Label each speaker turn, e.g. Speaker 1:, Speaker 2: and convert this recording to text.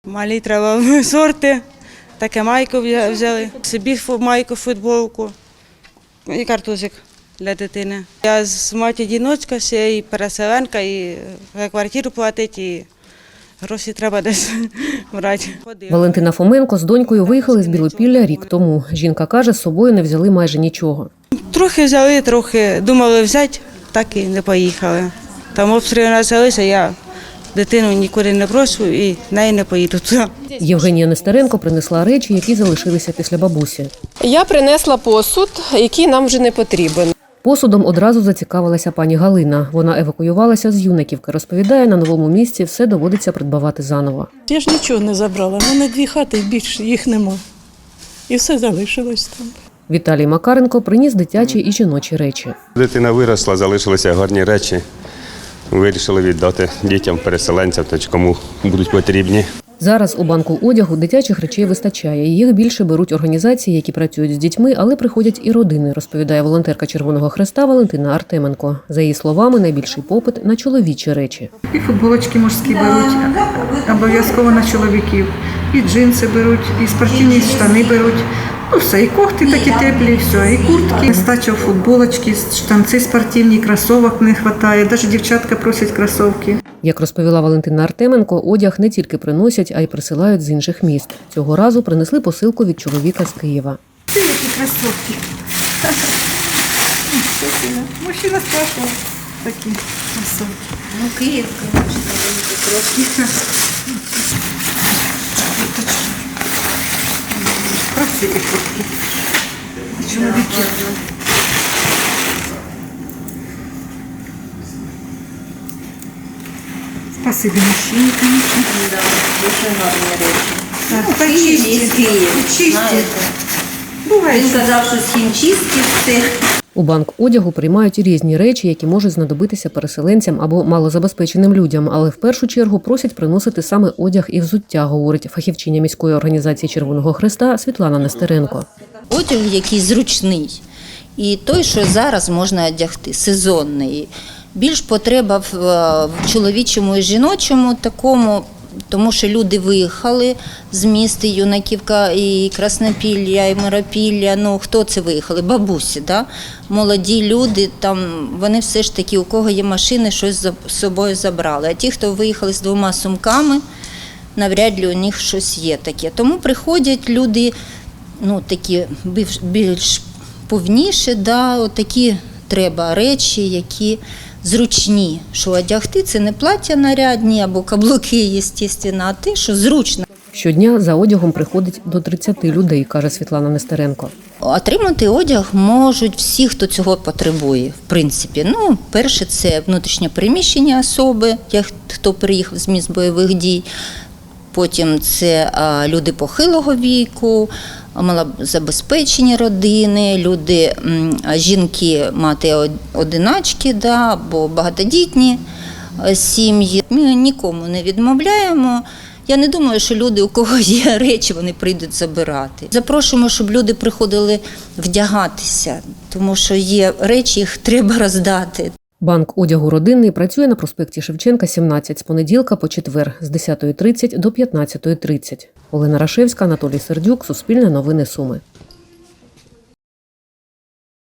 Speaker 1: Малі треба сорти, таке майку взяли, собі майку, футболку і картузик для дитини. Я з мать-одиночка, ще і переселенка, і за квартиру платить, і гроші треба десь брати.
Speaker 2: Валентина Фоменко з донькою виїхали з Білопілля рік тому. Жінка каже, з собою не взяли майже нічого.
Speaker 1: Трохи взяли, трохи думали взяти, так і не поїхали. Там обстріли почалися, я дитину нікуди не прошу і неї не поїду туди.
Speaker 2: Євгенія Нестеренко принесла речі, які залишилися після бабусі.
Speaker 3: Я принесла посуд, який нам вже не потрібен.
Speaker 2: Посудом одразу зацікавилася пані Галина. Вона евакуювалася з Юнаківки. Розповідає, на новому місці все доводиться придбавати заново.
Speaker 4: Я ж нічого не забрала, в мене 2 хати, більше їх нема. І все залишилось там.
Speaker 2: Віталій Макаренко приніс дитячі і жіночі речі.
Speaker 5: Дитина виросла, залишилися гарні речі. Вирішили віддати дітям, переселенцям, та кому будуть потрібні.
Speaker 2: Зараз у банку одягу дитячих речей вистачає. Їх більше беруть організації, які працюють з дітьми, але приходять і родини, розповідає волонтерка Червоного Хреста Валентина Артеменко. За її словами, найбільший попит на чоловічі речі.
Speaker 6: І футболочки мужські беруть, обов'язково на чоловіків. І джинси беруть, і спортивні штани беруть. Ну все, і кофти такі теплі, все, і куртки. Стача футболочки, штанці спортивні, кросовок не вистачає. Навіть дівчатка просять кросовки.
Speaker 2: Як розповіла Валентина Артеменко, одяг не тільки приносять, а й присилають з інших міст. Цього разу принесли посилку від чоловіка з Києва.
Speaker 6: Це які кросовки. Мужчина спрашивав такі кросовки.
Speaker 7: Ну, Київ, звісно, трошки.
Speaker 6: Красиві куртки. Чоловіки. Спасибо мужчине, конечно.
Speaker 7: Да, дуже гарні речі.
Speaker 6: Так,
Speaker 7: Ну, Київ, з Києва,
Speaker 6: чисті.
Speaker 7: знаєте.
Speaker 6: Буває,
Speaker 7: Він
Speaker 6: що
Speaker 7: казав, що з хімчистки все.
Speaker 2: У банк одягу приймають різні речі, які можуть знадобитися переселенцям або малозабезпеченим людям, але в першу чергу просять приносити саме одяг і взуття, говорить фахівчиня міської організації Червоного Хреста Світлана Нестеренко.
Speaker 7: Одяг, який зручний, і той, що зараз можна одягти, сезонний. Більш потреба в чоловічому і жіночому такому, тому що люди виїхали з міст, і Юнаківка, і Краснопілля, і Миропілля. Ну, хто це виїхали? Бабусі, да? Молоді люди, там, вони все ж таки, у кого є машини, щось з собою забрали. А ті, хто виїхали з 2 сумками, навряд ли у них щось є таке. Тому приходять люди, ну, такі більш повніші, да, отакі треба речі, які зручні, що одягти це не плаття нарядні або каблуки, звісно, а те, що зручно.
Speaker 2: Щодня за одягом приходить до 30 людей, каже Світлана Нестеренко.
Speaker 7: Отримати одяг можуть всі, хто цього потребує, в принципі. Ну, перше, це внутрішнє переміщення особи, хто приїхав з місць бойових дій. Потім це люди похилого віку, малозабезпечені родини, люди, жінки, мати-одиначки, да, або багатодітні сім'ї. Ми нікому не відмовляємо. Я не думаю, що люди, у кого є речі, вони прийдуть забирати. Запрошуємо, щоб люди приходили вдягатися, тому що є речі, їх треба роздати.
Speaker 2: Банк одягу родинний працює на проспекті Шевченка, 17, з понеділка по четвер, з 10:30 до 15:30. Олена Рашевська, Анатолій Сердюк, Суспільне новини Суми.